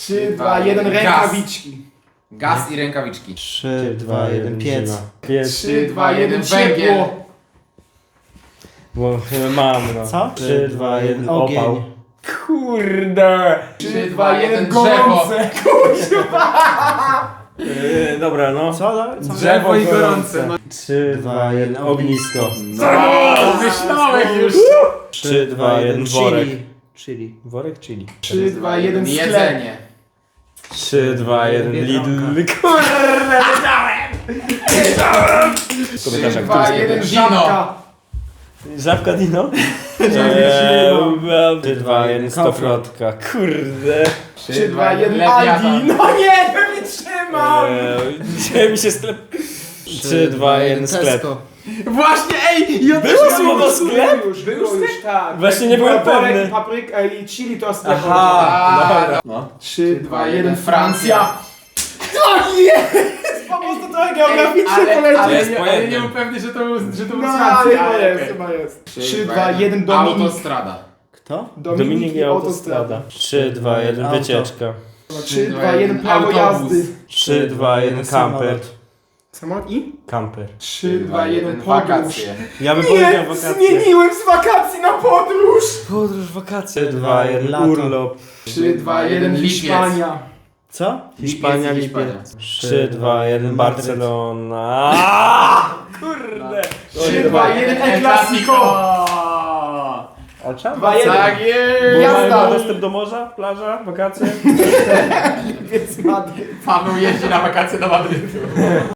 3, 2, 1, rękawiczki. Gaz i rękawiczki. 3, 2, 1, piec. 3, 2, 1, ciepło. Bo mam, no. Co? 3, 2, 1, Ogień. opał. Kurde! 3, 2, 1, drzewo. gorące. Kurwa. Dobra, no. Co? Co? Drzewo i gorące. 3, 2, 1, ognisko. Myślałeś już. 3, 2, 1, worek. Chili. Worek chili. 3, 2, 1, sklep. Jedzenie. 3, 2, 1, Biedronka. Lidl. Kurde, wiedziałem! 3, 2, 1, Dino. żabka. Żabka Dino? 3, 2, 1, stoplotka. Kurde. 3, 2, 1, Lewiatan. Aldi. No nie, pewnie trzymam. Dzisiaj mi się sklep... 3, 2, 1, sklep. Właśnie, ej! Ja Było też słowo mam sklep? Było już, tak. Właśnie nie byłem Worek, pewny. Papryka i chili to sklep. Aha, No. 3, 2, 1, Francja. To jest! Po prostu trochę geograficznie polecieć. jest Ale pojęte. nie był pewny, że to był z No, Francji, chyba ale jest, okej. chyba jest. 3, 2, 1, Dominik. Autostrada. Kto? Dominik i autostrada. 3, 2, 1, Auto. wycieczka. 3, 2, 1, prawo Autobus. jazdy. 3, 2, 1, kamper. Samolot i? Kamper. 3, 2, 1, podróż. wakacje. Ja bym powiedział Nie, wakacje. zmieniłem z wakacji na podróż. Podróż, wakacje. 3, 2, 1, Lato. urlop. 3, 2, 1, Lipiec. Hiszpania. Co? Hiszpania, Lipiec. lipiec. 3, 2, 1, Barcelona. Kurde. 3, 2, 1, El Clasico. A czemu? 2, 1. Tak Bo jest! Jazda. mają dostęp do morza, plaża, wakacje? Więc Madryt. Paweł jeździ na wakacje do Madrytu.